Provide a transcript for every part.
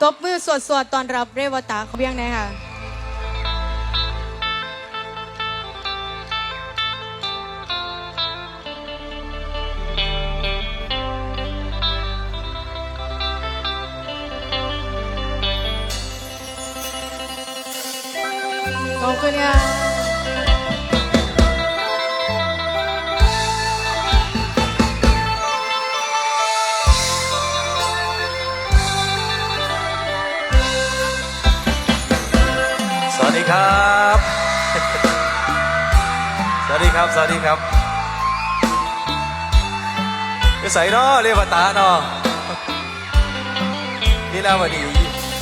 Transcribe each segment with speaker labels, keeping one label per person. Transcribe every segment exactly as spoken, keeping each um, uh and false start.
Speaker 1: ตบมือสวดสวดตอนรับเรวตาเขาเบี้ยงไหนค่ะขอบคุณค่ะ
Speaker 2: สวัสดีครับ สวัสดีครับ สวัสดีครับจะใส่เนาะเรียกว่าตาเนาะนี่แล้ววันนี้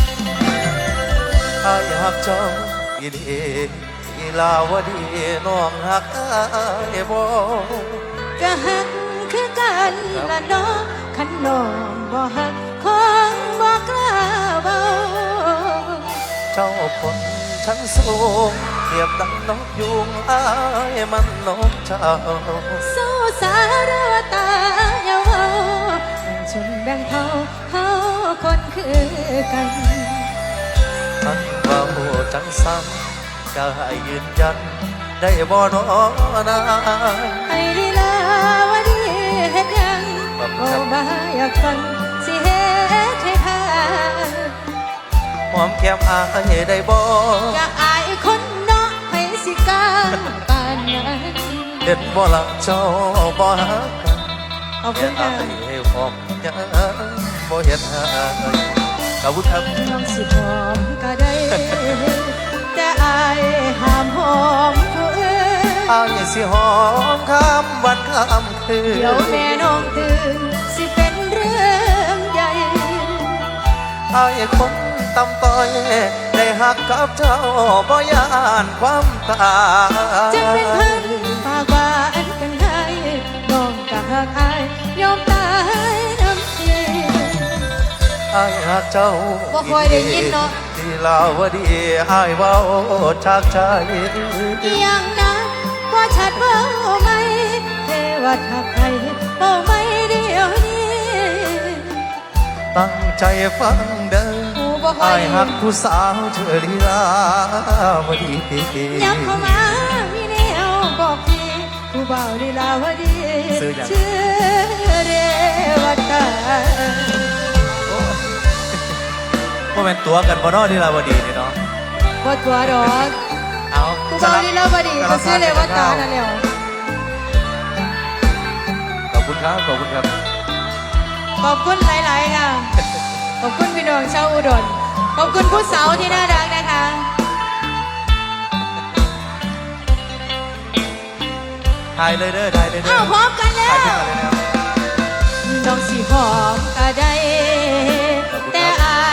Speaker 2: อายหักเจ้าอีเดีอีลาวดีน้องหักอายบ่
Speaker 1: ก็หักคือกันละน้องขันน้องบ่หักของบ่กล้าเบา
Speaker 2: เจ้าคนชั้นสูงเทียบดังนกยุงอายมันนกเจ้า
Speaker 1: สู้สารวตาเยาเว้าจนแบ่งเท่าเฮาคนคือกัน
Speaker 2: ทั้งเบาจังซ้ำก็ให้ยืนยันได้บ่น้อนา
Speaker 1: ไอ้ลีลาวดีเฮ็ดหยังบ่มาอยากฟังสิเฮ็ดให้พา
Speaker 2: หอมแก้มอายได้บ่
Speaker 1: อยากอายคนเนาะให้สิกล้าปานนั้น
Speaker 2: เห็นบ่ละเจ้าบ่ฮักกัน
Speaker 1: ขอบคุ
Speaker 2: เห็
Speaker 1: ณ
Speaker 2: น
Speaker 1: ค่ะ
Speaker 2: อายให้หอมยังบ่เห็นอายขอบคุณครับ
Speaker 1: น้องสิหอมก็ได้ แต่อายห้ามหอมผู้อื่น
Speaker 2: อายสิหอมข้ามวันข้ามคืน
Speaker 1: เดี๋ยวแม่น้องตื่นสิเป็นเรื่องใหญ่
Speaker 2: อายคนตำต้อยได้หักกับเจ้าบ่ยานความตาย
Speaker 1: จะเป็นพันฝากว่าอันกันให้น้องกะหักอายยอมตายน้ำเสีย
Speaker 2: อายหักเจ้า
Speaker 1: บ่ค่อยได้ยินเนาะ
Speaker 2: ที่ลาวดีอายเว้าจากใจ
Speaker 1: อีหยังนะว่าชัดเบ้าไหมเทวทักใครเบ้าไหมเดียวนี้
Speaker 2: ตั้งใจฟังเด้อ
Speaker 1: กูบ่ค่อ
Speaker 2: อาย ยหักผู้สาวเธอลีลาวดี
Speaker 1: ย้ำเข้ามามีแนวบอกพี่ผู้บ่าวลีลาวดีชื่อเรวตา
Speaker 2: ว่าเป็นตัวกันบ่เนอลีลาวดีนี่เนาะ
Speaker 1: บ่ตัวดอก
Speaker 2: เอา
Speaker 1: ผู้บ่าวลีลาวดีก็ชื่อเรวตานั่นแหละ
Speaker 2: ขอบคุณครับขอบคุณครับ
Speaker 1: ขอบคุณหลายๆค่ะขอบคุณพี่น้องชาวอุดรขอบคุณผู้สาวที่น่ารักนะคะ
Speaker 2: ถ่ายเลยเด้อถ่ายเลยเด้
Speaker 1: อ้า
Speaker 2: อ
Speaker 1: วพร้อมกันแล้
Speaker 2: ถ่ายขึ้น
Speaker 1: ว
Speaker 2: มาเลยนะครับ
Speaker 1: น้องสีหอมก็ได้แต่อาย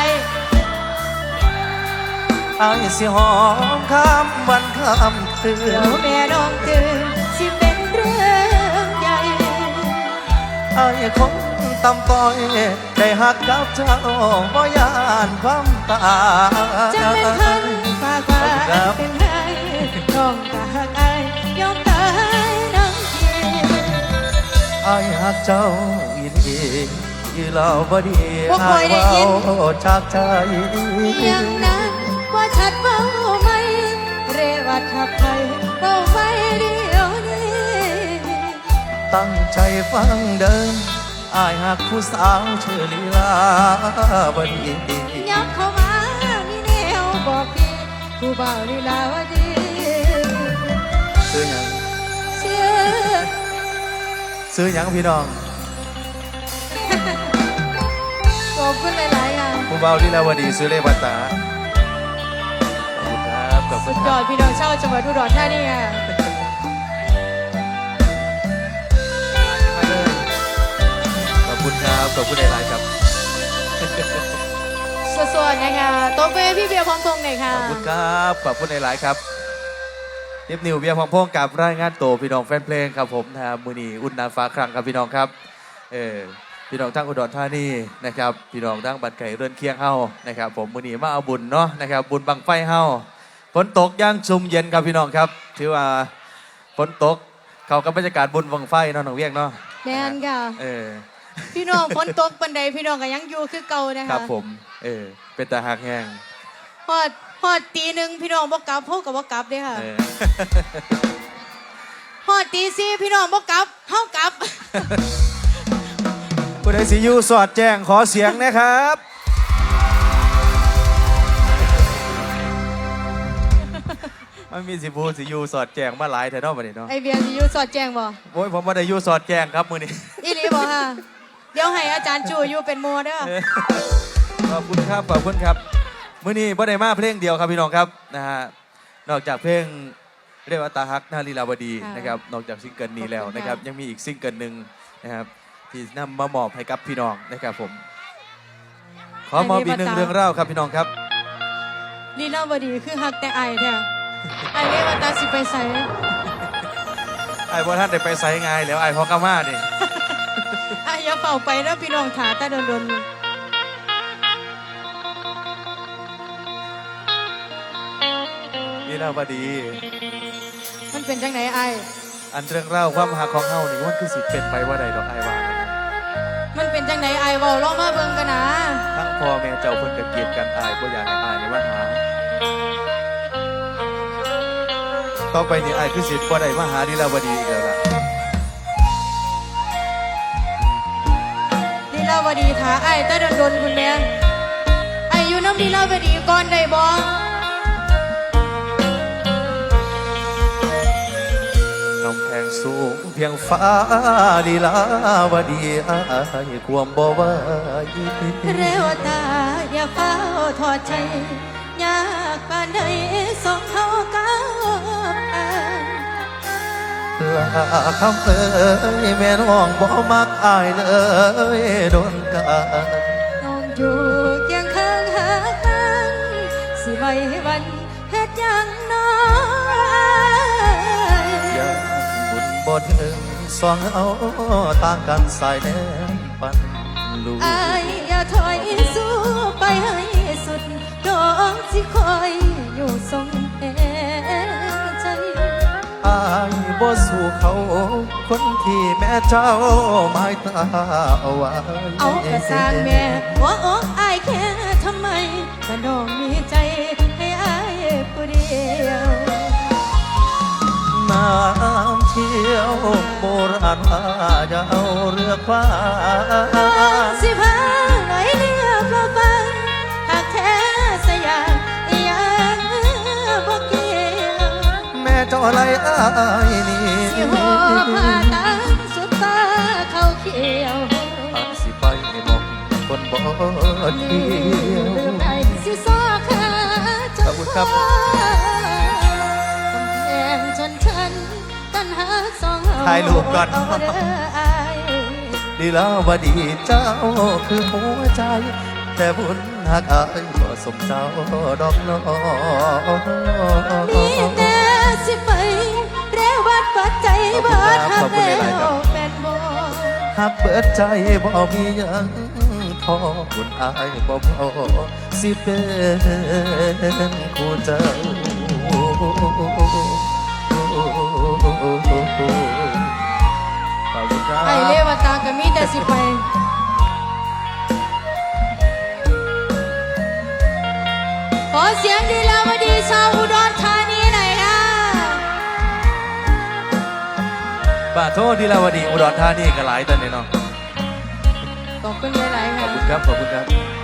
Speaker 2: อายสิหอมข้ามวันข้ามคื
Speaker 1: เดี๋ยวน แม่น้องตื่นสิเป็นเรื่องใหญ่
Speaker 2: อายคงตำต้อยได้หักกับเจ้าบ่ยานความตาย
Speaker 1: จะเป็นพันฝากว่าเป็นไห้น้องก็หักอายยอมตายน้ำเสีย
Speaker 2: อายหักเจ้าอีดีอีลาวบ่ดี
Speaker 1: บ่ค่อยได้ยิน
Speaker 2: อายเว้าจากใจ
Speaker 1: อย่างนั้นว่าชัดเบาไหมเรวัดทักใครเบาไหมเดียวนี้
Speaker 2: ตั้งใจฟังเดินอายหักผู้สาวชื่อลีลาวดี
Speaker 1: ยับเข้ามามีแนวบอกพี่ผู้บ่าวลีลาวดี
Speaker 2: ซื้อหยัง
Speaker 1: เชื่อ
Speaker 2: ซื้อหยังพี่น้อง
Speaker 1: ขอบคุณหลายๆอย่าง
Speaker 2: ผู้เบาลีลาวดีซื้อเลวัตตาขอบคุณครับขอบคุ
Speaker 1: สุ
Speaker 2: ณ
Speaker 1: ด
Speaker 2: ค
Speaker 1: ยอ
Speaker 2: รั
Speaker 1: ด
Speaker 2: บ
Speaker 1: พี่น้องชาวจังหวัดอุดรธานีค่ะ
Speaker 2: มาเลยขอบคุณครับขอบคุณหลายๆครับ
Speaker 1: สวัสดีนะคะโต๊ะเป้พี่เบียร์พร้อมพงษ์หน่อยค่ะ
Speaker 2: ขอบคุณครับขอบคุณหลายๆครับเทปนิวเบียร์พองพงกับรายงานโตวพี่น้องแฟนเพลงครับผมนะมือนีอุ่นนาฟ้าครั้งครับพี่น้องครับเออพี่น้องทั้งอุดรธานีนะครับพี่น้องทั้งบัดไก่เรือนเคียงเฮานะครับผมมือนีมาเอาบุญเนาะนะครับบุญบังไฟเฮาฝนตกย่างชุมเย็นครับพี่น้องครับถือว่าฝนตกเขากับบรรยากาศบุญบังไฟเนาะน้องเวียงเนาะ
Speaker 1: แมนค่ะ
Speaker 2: เออ
Speaker 1: พี่น้องฝนตกปันใดพี่น้องก็ยังอยู่คือเก่านะ
Speaker 2: ครั
Speaker 1: คะ
Speaker 2: บผมเออเป็นตาหักแห้ง
Speaker 1: ฮอดฮอดตีหนึ่งพี่น้องบ่กลับพวกกับบ่กลับเด้ค่ะ
Speaker 2: เออ
Speaker 1: ฮอดตีสี่พี่น้องบ่กลับเฮากลับ
Speaker 2: ผู้ใดสิอยู่สอดแจ้งขอเสียงนะครับ มันมีสิบูสิอยู่สอดแจ้งมาหลายแถวนาะบัดนี้เนาะ
Speaker 1: ไอเบียร์สิอยู่สอดแจ้งบ่
Speaker 2: โอ้ยผมบ่ได้อยู่สอดแจ้งครับมื้อนี้
Speaker 1: อีหลีบ่ค่ะเดี๋ยวให้อาจารย์จูอยู่เป็นโมเด้อ
Speaker 2: เออขอบคุณครับขอบคุณครับมื้อนี้บ่ได้มาเพลงเดียวครับพี่น้องครับนะฮะนอกจากเพลงเรียกว่าตาฮักนาลีลาวดีนะครับนอกจากซิงเกิลนี้แล้วนะครับยังมีอีกซิงเกิลหนึ่งนะครับที่นำมามอบให้กับพี่น้องนะครับผมขอมอบอีกหนึ่งเรื่องเล่าครับพี่น้องครับ
Speaker 1: ลีลาวดีคือฮักแต่ไอแท้ไอเรียกว่าตาสิไปใส่
Speaker 2: ไอ้พ่อท่านได้ไปไซงายแล้วไอ้พ่อกามานี่
Speaker 1: ไออย่าเฝ้าไปแล้วพี่น้องถาตาโดน
Speaker 2: นี่เล่าบดี
Speaker 1: ๆมันเป็นจังไหนไอ
Speaker 2: อันเรื่องเล่าความหาของเฮานี่มันคือสิเป็นไปว่าใดดอกไอ้ว่านะ
Speaker 1: มันเป็นจังไหนไอเว้าลองมาเบิ่งกันนะ
Speaker 2: ทั้งพ่อแม่เจ้าเพิ่นก็เกลียดกันอายบ่อยากให้อายในวันหาต่อไปนี่อายคือสิบ่ได้มาหานี่เล่าบดีอีกแล้วล่ะ
Speaker 1: ลีลาวดีถาไอตาโดนๆคุณแม่ไออยู่น้ำลีลาวดีก่อนได้บ่
Speaker 2: น้ำแพงสูงเพียงฟ้าลีลาวดีอายความบ่ไหว
Speaker 1: เรวตาอย่าเฝ้าทอดใจยากปานใดสองเฮาก้าวผ่าน
Speaker 2: ลาคำเอ้ยแม่น้องบ่มักอายเลยโดนกัน
Speaker 1: น้องอยู่เคียงข้างหากันสิไว้วันเฮ็ดหยังน้อย
Speaker 2: ยังบุญบ่ถึงสองเอาต่างกันสายแนมปันลูก
Speaker 1: อายอย่าถอยสู้ไปให้สุดน้องสิคอยอยู่ทรงแห่งใจ
Speaker 2: อายบ่สู้เขาคนที่แม่เจ้าหมายตาเอาไว้
Speaker 1: เอากระสร้างแม่หัวอกอายแค่ทำไมก็น้องมีใจให้อายผู้เดียว
Speaker 2: น้ำเที่ยวโบราณว่าจะเอาเรือคว้า
Speaker 1: สิพาไหลเรียบเราฟังหากแท้สยามยังบ่เกี่ยว
Speaker 2: แม่เจ้าอะไรอายนี่
Speaker 1: สิหอบผ้าตังสุดฟ้าเขาเขียว
Speaker 2: อาจสิไปให้หมองคนบ่เที่ยว
Speaker 1: ลืมได้สิซอกขาจน
Speaker 2: ขอบคุณครับ
Speaker 1: กำแพงชนชั้นตันหาสองเฮา
Speaker 2: ถ่ายรูปก่อน
Speaker 1: เอาเด้ออาย
Speaker 2: ดีแล้วว่าดีเจ้าคือหัวใจ แต่บุญหักอายบ่สมเจ้าดอกน้อ
Speaker 1: มีแต่สิไปเรวัดปัจใจเบิดหักแล้วเป็นบ่
Speaker 2: หักเบิดใจบ่มีหยังพอบุญอายบ่พอสิเป็นคู่เจ้าขอบคุณครับ
Speaker 1: ไอเลวตาก็มีแต่สิไป ขอเสียงดีแล้วมาดีชาวอุดรธานีหน่อยนะ
Speaker 2: ป่าโทษดีแล้วว่าดีอุดรธานีก็หลายตอนนี้เนาะ
Speaker 1: ขอบคุณหลายๆ
Speaker 2: ขอ
Speaker 1: ค่ะ
Speaker 2: บคุณครับขอบคุณครับ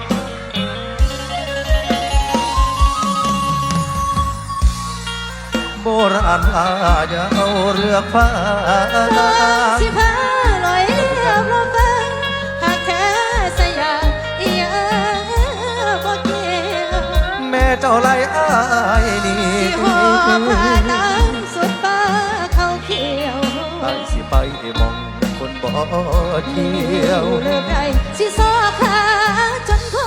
Speaker 2: โบราณอาอย่าเอาเรือฟ้า
Speaker 1: สิพาลอยเรียบลงฟังหากแท้สยามอีหยังบ่เกี่ยว
Speaker 2: แม่เจ้าไรอ้ายนี่
Speaker 1: สิหอบผ้าตังสุดฟ้าเขาเขียว
Speaker 2: ไอ้สิไปมองคนบ่เที่ยว
Speaker 1: เลือกได้สิซอกขาจนพ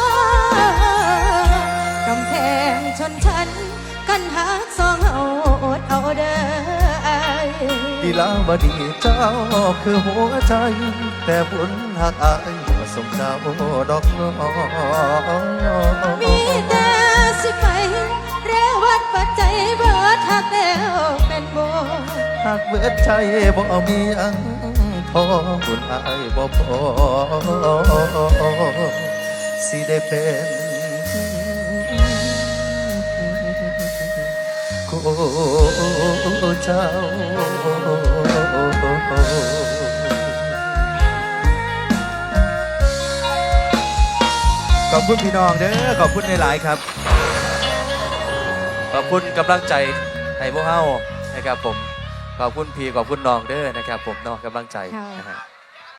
Speaker 1: อกำแพงชนชั้นกันหักสองเอาอดเอาเด้ออาย
Speaker 2: ดีลาวดีเจ้าคือหัวใจ แต่บุญหักอายบ่สมเจ้าดอกน้อ
Speaker 1: มีแต่สิไปเรวัดปัจจัยเบิดหักแล้วเป็นโบ
Speaker 2: หากเบิดใจบ่มีอังพออคุณอายบ่พอสิได้เป็นคู่เจ้าขอบคุณพี่น้องเด้อขอบคุณในหลายๆครับขอบคุณกำลังใจให้พวกเฮานะครับผมขอบคุณพี่ขอบคุณน้องเด้อนะครับผมเน้องกำลังใจ
Speaker 1: ค่ะ
Speaker 2: นะฮะ